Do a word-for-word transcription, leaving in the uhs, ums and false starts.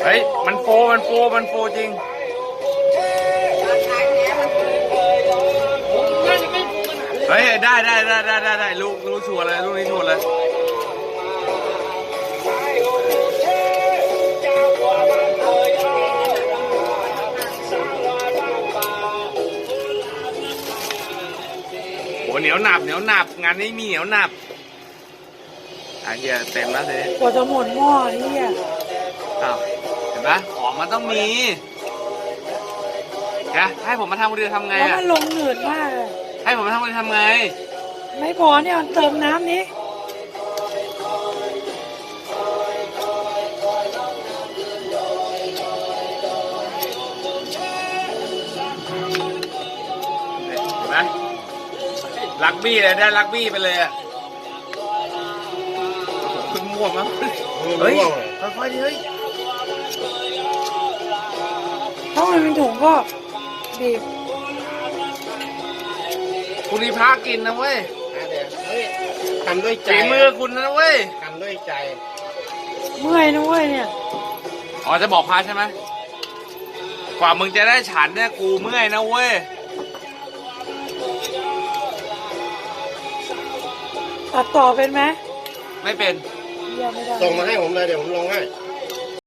เฮ้ยมันโฟมันโฟมันโฟจริงเฮ้ยได้ได้ได้ได้ได้ได้ลูกลูกชัวร์เลยลูกนี้ชัวร์เลยโหเหนียวหนับเหนียวหนับงานนี้มีเหนียวหนับอ่ะเฮียเต็มแล้วสิกว่าจะหมดหม้อเฮียอ้าวเห็นปะของมันต้องมีแกให้ผมมาทำคนเดียวทำไงแล้วอ่ะมันลงหนืดมากเลยให้ผมมาทำคนเดียวทำไงไม่พอเนี่ยมันเติมน้ำนี้เห็นไหมลักบี้เลยได้ลักบี้ไปเลยอ่ะคุณม่วงมั้งเฮ้ยค่อยๆดิเฮ้ยถ้ามันเป็นถุงก็บีบคุณรีพากินนะเว้ยทำด้วยใจฝีมือคุณนะเว้ยทำด้วยใจเมื่อยนะเว้ยเนี่ยอ๋อจะบอกพาใช่ไหมกว่ามึงจะได้ฉันเนี่ยกูเมื่อยนะเว้ยตัดต่อเป็นไหมไม่เป็นยังไม่ได้ส่งมาให้ผมเลยเดี๋ยวผมลงให้